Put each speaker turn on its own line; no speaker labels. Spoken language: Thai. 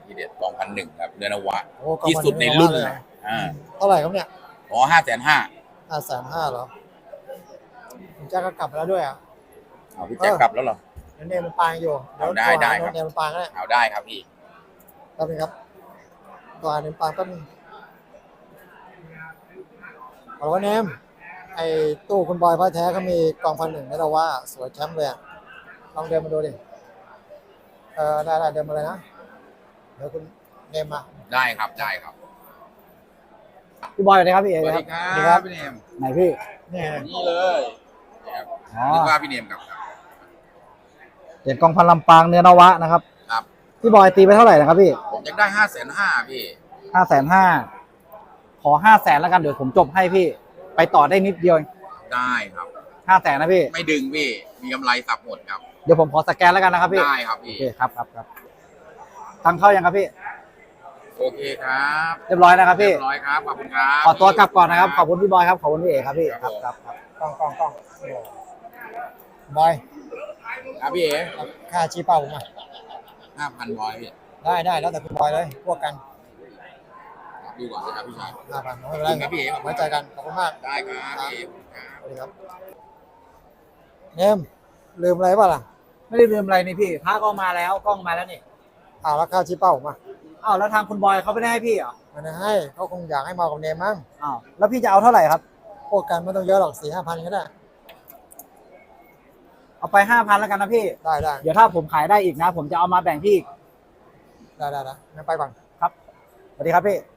ทีเด็ด2,100ครับเดือนนวะ
โอ้
ที่สุดในรุ่น
เลย
เลยอ่า
เท่าไหร่ครับเนี่ย
อ๋อ5,500,000
550,000เหรอคุณแจ็คก็กลับไปแล้วด้วยอ่ะ
เอาพี่แจ็คกลับแล้วเหรอ
เนมมันปางอยู่เดี๋ยว
เอาได้
โทรหา
ได้ครับ
เนมมันปางก็ได้
เอาได้ครับพี่
แป๊บนึงครับตัวเนมปางแป๊บนึงเอาว่าเนมไอ้ตู้คุณบอยพ่อแท้เขามีกอง1,000ให้เราว่าสวยแชมป์เลยอะลองเดินมาดูดิได้เดินมาเลยนะเดี๋ยวคุณเนมมา
ได้ครับได้ครับ
พี่บอยสวัสดีครับพี่เอ
สวัส
ค
ดี
รับ
ครับพี่เนม
ไหนพี่
เนี่ย
นี่เลยครับ
อ๋อ
นึกว่าพี่เนมกลับครับ
เหรียญกองพันลำปางเนื้อนวะนะครับ
ครับ
พี่บอยตีไปเท่าไหร่นะครับพี่
ผมอยากได้5,500,000พี่
550,000ขอ500,000แล้วกันเดี๋ยวผมจบให้พี่ไปต่อได้นิดเดียว
ได้ครับ
500,000นะพี่
ไม่ดึงพี่มีกำไรสับหมดครับ
เดี๋ยวผมขอสแกนแล้วกันนะครับพี่
ได้ครับ
โอ
พี่
เคครับตังค์เข้ายังครับพี่
โอเคครับ
เรียบร้อยนะครับพี่
เรียบร้อยครับขอบคุณครับ
ขอตัวกลับก่อนนะครับขอบคุณพี่บอยครับขอบคุณพี่เอครับพี่ครับ
กล้องบอย
ครับพี่เอ๋
ค่าชี้เป้าผมมา
5,000ร้อยพี่
ได้แล้วแต่คุณบอยเลยพวกกัน
ดูก่อนนะครับพี่ชาย
5,000ไม่เป็นไร
ขอบคุณครับพี่เอ๋
ไว้ใจกันขอบคุณมาก
ได้ครับพี่เอ๋ครับ
สวัสดีครับเนมลืมอะไรป่ะล่ะ
ไม่ได้ลืมอะไรนี่พี่พระก็มาแล้วกล้องมาแล้วนี่
แล้วค่าชี้เป้าผมมา
อ้าวแล้วทางคุณบอยเขาไม่ได้ให้พี่เหรอ
ไมันให้เขาคงอยากให้มากับเนมมั้ง
อ้าวแล้วพี่จะเอาเท่าไหร่ครับ
พวกกันไม่ต้องเยอะหรอก4-5,000ก็ได้
เอาไป5,000แล้วกันนะพี่
ได้
เดี๋ยวถ้าผมขายได้อีกนะ ผมจะเอามาแบ่งพี่อีก
ได้งั้นไปก่อน
ครับสวัสดีครับพี่